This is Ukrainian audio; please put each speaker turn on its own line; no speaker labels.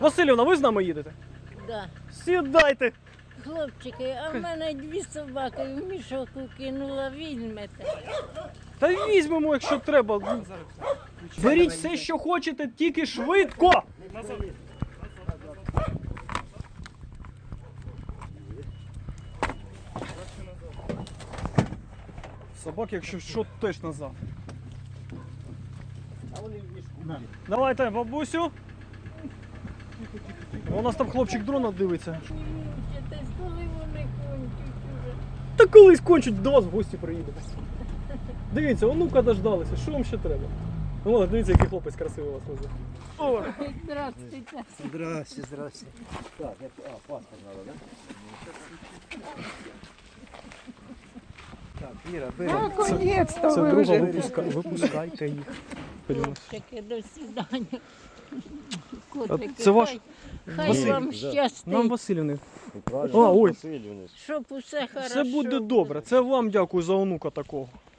Василівна, ви з нами їдете?
Да.
Сідайте.
Хлопчики, а в мене 2 собаки в мішок кинула, візьмете.
Та візьмемо, якщо треба. Беріть все, що хочете, тільки швидко. Собак, якщо що, теж назад. Давайте, бабусю. У нас там хлопчик дрона дивиться.
Мучитесь, коли вони кончать уже.
Та колись кончуть, до вас в гості приїдемо. Дивіться, онука дождалися, що вам ще треба? О, дивіться, який хлопець красивий вас везе. О,
Здравствуйте.
Здрасте, здрасте. Так, паспорт надо, да? Так, Віра, бери.
Наконец-то
це
ви
друга,
вже.
випускайте їх.
Хлопчики, до свидання. Котики,
це ваш
хай
Василь,
вам
нам
щастить,
Василівни.
Правильно,
ой.
Васильівни.
щоб усе хорошо
Це буде добре. Це вам дякую за онука такого.